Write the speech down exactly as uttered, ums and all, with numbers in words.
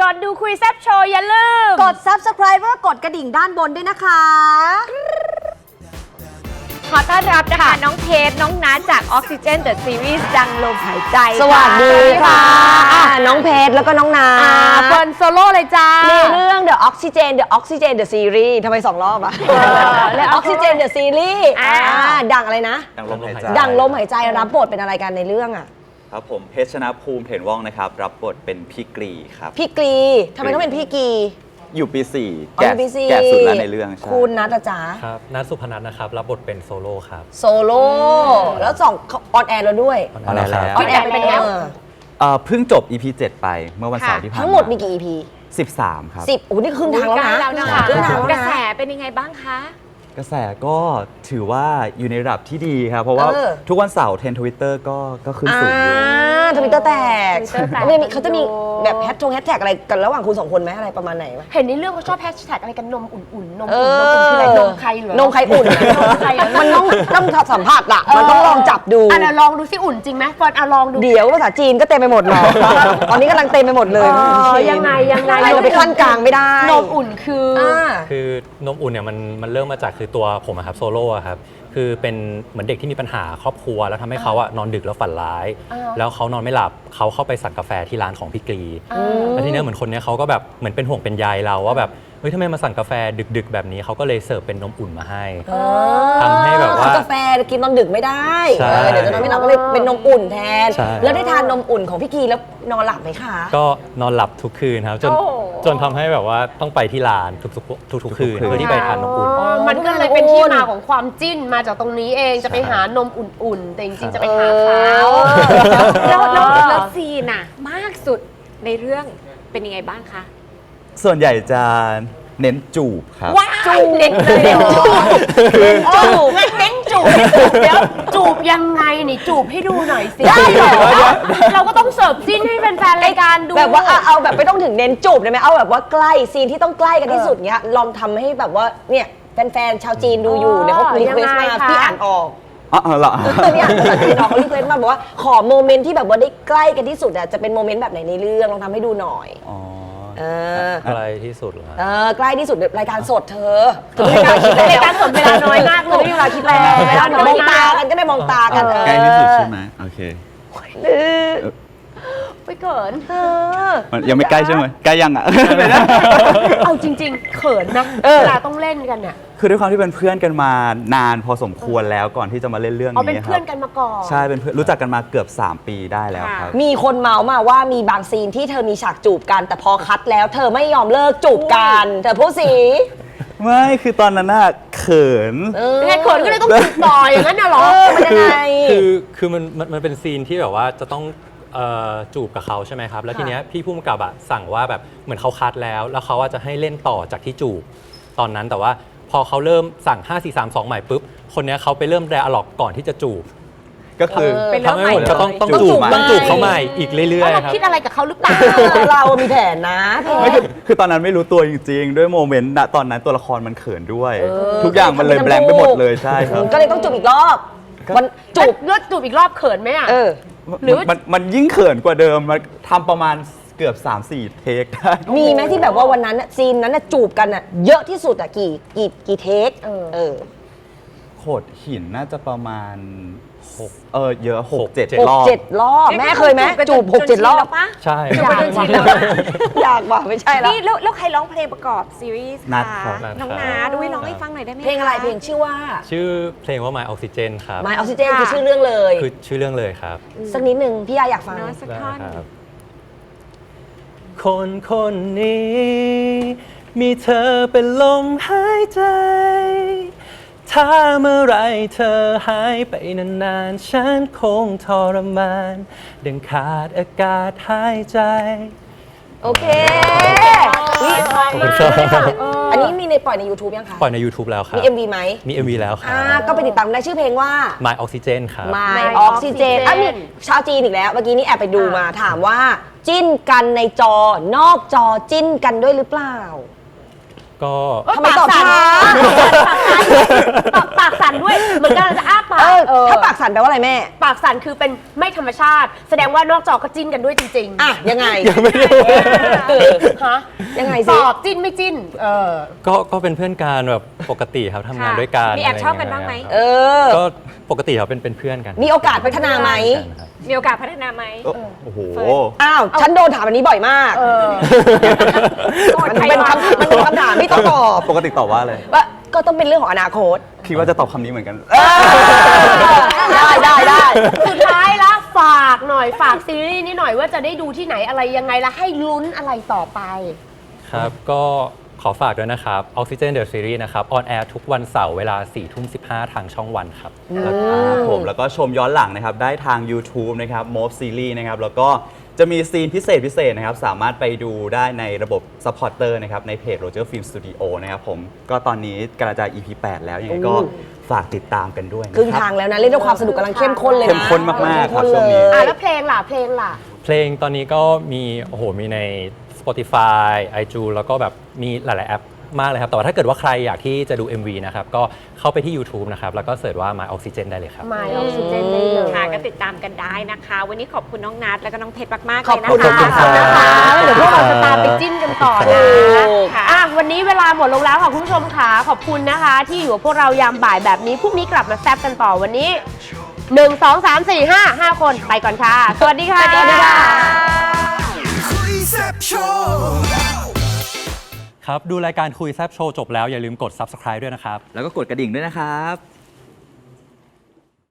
ก่อนดูคุยแซ่บโชว์อย่าลืมกด ซับสไครบ์ แล้วก็กดกระดิ่งด้านบนด้วยนะคะขอต้อนรับนะคะน้องเพชรน้องนัทจาก Oxygen The Series ดังลมหายใจสวัสดีค่ะน้องเพชรแล้วก็น้องนาเฟิร์นโซโล่เลยจ้าในเรื่อง The Oxygen The Oxygen The Series ทำไมสองรอบอะและ Oxygen The Series ดังอะไรนะดังลมหายใจดังลมหายใจรับบทเป็นอะไรกันในเรื่องอะครับผมเพชรชนะภูมิเถนว่องนะครับรับบทเป็นพี่กรีครับพี่กรีทำไมต้องเป็นพี่กรีอยู่ปีสี่แก่แก่สุดแล้วในเรื่องใช่คุณนัทจ๋าครับนัทสุพนัทนะครับรับบทเป็นโซโล่ครับโซโล่แล้วสองออนแอร์แล้วด้วยออนแอร์แล้วออนแอร์เป็นไงเพิ่งจบ อี พี เจ็ดไปเมื่อวันเสาร์ที่ผ่านมาทั้งหมดมีกี่ อี พีสิบสามครับสิบโอ้นี่ครึ่งทางแล้วนะครึ่งทางแล้วนะกระแสเป็นยังไงบ้างคะกระแสก็ถือว่าอยู่ในระดับที่ดีครับเพราะว่าทุกวันเสาร์เทรนด์ทวิตเตอร์ก็ก็ขึ้นสูงอยู่ทวิตเตอร์แตกเขาจะมีแบบแฮชทงแฮชแท็กอะไรกันระหว่างคุณสองคนไหมอะไรประมาณไหนเห็นในเรื่องเขาชอบแฮชแท็กอะไรกันนมอุ่นๆนมอุ่นนมอุ่นคืออะไรนมใครหรือนมใครอุ่นมันต้องต้องสัมผัสอะมันต้องลองจับดูอ่ะลองดูสิอุ่นจริงไหมก่อนอ่ะลองดูเดี๋ยวภาษาจีนก็เต็มไปหมดหรอตอนนี้กำลังเต็มไปหมดเลยยังไงยังไงเราไปขั้นกลางไม่ได้นมอุ่นคือคือนมอุ่นเนี่ยมันมันเริ่มมาจากคือตัวผมครับโซโล่ครับคือเป็นเหมือนเด็กที่มีปัญหาครอบครัวแล้วทำให้เขาอะนอนดึกแล้วฝันร้ายแล้วเขานอนไม่หลับเขาเข้าไปสั่งกาแฟที่ร้านของพี่กรีแล้วทีนี้เหมือนคนนี้เขาก็แบบเหมือนเป็นห่วงเป็นใยเราว่าแบบเฮ้ยทำไมมาสั่งกาแฟดึกๆแบบนี้เขาก็เลยเสิร์ฟเป็นนมอุ่นมาให้ทำให้แบบว่ากาแฟกินตอนดึกไม่ได้เดี๋ยวจะนอนไม่หลับก็เลยเป็นนมอุ่นแทนแล้วได้ทานนมอุ่นของพี่กรีแล้วนอนหลับไหมคะก็นอนหลับทุกคืนครับจนจนทำให้แบบว่าต้องไปที่ร้านทุกๆทุกๆคืนเพื่อที่ไปทานนมอุ่นมันก็เลยเป็นที่มาของความจิ้นมาจากตรงนี้เองจะไปหานมอุ่นๆแต่จริงๆจะไปหาเขาแล้วแล้วซีนอะมากสุดในเรื่องเป็นยังไงบ้างคะส่วนใหญ่จะเน้นจูบครับจูบเน้นเน้นจูบจูบเน้นจูบเดี๋ยวจูบยังไงนี่จูบให้ดูหน่อยสิได้เหรอเราก็ต้องเสิร์ฟซีนให้แฟนๆรายการดูแบบว่าเอาแบบไม่ต้องถึงเน้นจูบได้ไหมเอาแบบว่าใกล้ซีนที่ต้องใกล้กันที่สุดเนี้ยลองทำให้แบบว่าเนี่ยแฟนๆชาวจีนดูอยู่เนี่ยเขารีเควสมาพี่อ่านออกอ๋อเหรอพี่อ่านภาษาจีนออกเขารีเควสมาบอกว่าขอโมเมนต์ที่แบบว่าได้ใกล้กันที่สุดอ่ะจะเป็นโมเมนต์แบบไหนในเรื่องลองทำให้ดูหน่อยใกล้ที่สุดเหรอเออใกล้ที่สุดรายการสดเธอรายการสดเวลาน้อยมากเลยไม่มีเวลาคิดแล้วเวลามองตากันก็ได้มองตากันใกล้ที่สุดใช่ไหมโอเคไปเขินยังไม่ใกล้ใช่ไหมใกล้ยังอ่ะเอาจริงๆเขินนะเวลาต้องเล่นกันเนี่ยคือด้วยความที่เป็นเพื่อนกันมานานพอสมควรแล้วก่อนที่จะมาเล่นเรื่องนี้ครับเป็นเพื่อนกันมาก่อนใช่เป็นเพื่อนรู้จักกันมาเกือบสามปีได้แล้วครับมีคนเมาส์มาว่ามีบางซีนที่เธอมีฉากจูบกันแต่พอคัดแล้วเธอไม่ยอมเลิกจูบกันเธอพูดสิไม่คือตอนนั้นน่ะเขินยังไงเขินก็เลยต้องจูบต่ออย่างนั้นน่ะหรอมันยังไงคือคือมันมันเป็นซีนที่แบบว่าจะต้องจูบกับเขาใช่ไหมครับแล้วทีเนี้ยพี่ผู้กำกับอะสั่งว่าแบบเหมือนเขาคัดแล้วแล้วเขาจะให้เล่นต่อจากที่จูบตอนนั้นแต่ว่าพอเขาเริ่มสั่งห้า สี่ สาม สองใหม่ปุ๊บคนเนี้ยเขาไปเริ่มแดอะล็อกก่อนที่จะจูบก็คือทำให้ผมก็ต้องต้องจูบต้องจูบเขาใหม่อีกเรื่อยๆครับคิดอะไรกับเขาหรือเปล่าเรามีแผนนะคือตอนนั้นไม่รู้ตัวจริงๆด้วยโมเมนต์ณตอนนั้นตัวละครมันเขินด้วยทุกอย่างมันเลยแบงค์ไปหมดเลยใช่ครับก็เลยต้องจูบอีกรอบมันจูบเลือดจูบอีกรอบเขินไหมอ่ะหรือมันมันยิ่งเขินกว่าเดิมมันทำประมาณเกือบ สามสี่ เทคได้มีไหมที่แบบว่าวันนั้นซีนนั้นจูบกันอ่ะเยอะที่สุดอ่ะกี่กี่กี่เทคเออโขดหินน่าจะประมาณหกเออเยอะหกเจ็ดรอบเจ็ดรอบแม่เคยไหมจูบหกเจ็ดรอบใช่อยากว่ะอยากว่ะไม่ใช่แล้วนี่แล้วใครร้องเพลงประกอบซีรีส์ค่ะน้องนาด้วยร้องให้ฟังหน่อยได้ไหมเพลงอะไรเพลงชื่อว่าชื่อเพลงว่า My Oxygen ครับ My Oxygen คือชื่อเรื่องเลยคือชื่อเรื่องเลยครับสักนิดนึงพี่ยาอยากฟังสักท่อนคนคนนี้มีเธอเป็นลมหายใจถ้าเมื่อไรเธอหายไปนานๆฉันคงทรมานดังขาดอากาศหายใจโอเคอันนี้มีในปล่อยใน YouTube ยังคะปล่อยใน YouTube แล้วครับมี เอ็ม วี ไหมมี เอ็ม วี แล้วครับก็ไปติดตามได้ชื่อเพลงว่า My Oxygen ครับ My Oxygen อ่ะมีชาวจีนอีกแล้วเมื่อกี้นี้แอบไปดูมาถามว่าจิ้นกันในจอนอกจอจิ้นกันด้วยหรือเปล่าก็ทำไมตอบช้าปากปากสั่นด้วยเหมือนกันจะอ้าปากเออเออถ้าปากสั่นแปลว่าอะไรแม่ปากสั่นคือเป็นไม่ธรรมชาติ แสดงว่านอกจอก็จิ้นกันด้วยจริงๆอ่ะ ยังไงยังไม่รู้ฮะยังไงตสิอบจิ้นไม่จิ้น เออก็ก็เป็นเพื่อนกันแบบปกติครับทำงานด้วยกันมีแอบชอบกันบ้างไหมะรเอเงี้ยครับอก็ปกติครับเป็นเป็นเพื่อนกันมีโอกาสพัฒนาไหมครับมีโอกาสพัฒนาไหมโอ้โหอ้าว ฉันโดนถามอันนี้บ่อยมากเออมันเป็นคำมันเป็นคำถามที่ต้องตอบปกติตอบว่าอะไรว่าก็ต้องเป็นเรื่องของอนาคตคิดว่าจะตอบคำนี้เหมือนกันได้ได้ได้สุดท้ายละฝากหน่อยฝากซีรีส์นี้หน่อยว่าจะได้ดูที่ไหนอะไรยังไงและให้ลุ้นอะไรต่อไปครับ ก็ขอฝากด้วยนะครับ Oxygen The Series นะครับ ออนแอร์ทุกวันเสาร์เวลาสี่ทุ่มสิบห้าทางช่องวันครับครับผมแล้วก็ชมย้อนหลังนะครับ ได้ทาง YouTube นะครับ Move Series นะครับ แล้วก็จะมีซีนพิเศษพิเศษนะครับ สามารถไปดูได้ในระบบ Supporter นะครับ ในเพจ Roger Film Studio นะครับผม ก็ตอนนี้กำลังจะ อี พี แปด แล้ว ยังไงก็ฝากติดตามกันด้วยนะครึ่งครัทางบแล้วนะ เล่นด้วยความสนุกกำลังเข้มข้นเลยนะเข้มข้นมากๆครับเข้มช่วงนี้เลอ่ะยแล้วเพลงล่ะเพลงล่ะเพลงตอนนี้ก็มีโอ้โหมีใน Spotify iTunes แล้วก็แบบมีหลาย ๆ แอปมากเลยครับ แต่ว่าถ้าเกิดว่าใครอยากที่จะดู เอ็ม วี นะครับ ก็เข้าไปที่ YouTube นะครับ แล้วก็เสิร์ชว่า My Oxygen ได้เลยครับ My Oxygen ได้เลยค่ะก็ติดตามกันได้นะคะ วันนี้ขอบคุณน้องนัทแล้วก็น้องเพชรมากๆขอบเลยนะคุณคะขอบคุณนะคะ เดี๋ยวพวกเราจะตามไปจิ้นกันต่อนะถูกอ่ะวันนี้เวลาหมดลงแล้วค่ะคุณผู้ชมค่ะขอบคุณนะคะ ที่อยู่กับพวกเรายามบ่ายแบบนี้พรุ่งนี้กลับมาแซบกันต่อวันนี้หนึ่ง สอง สาม สี่ ห้า ห้าคนไปก่อนค่ะ สวัสดีค่ะสวัสดีค่ะคุยแซ่บโชว์ครับ ดูรายการคุยแซบโชว์จบแล้วอย่าลืมกด Subscribe ด้วยนะครับแล้วก็กดกระดิ่งด้วยนะครับ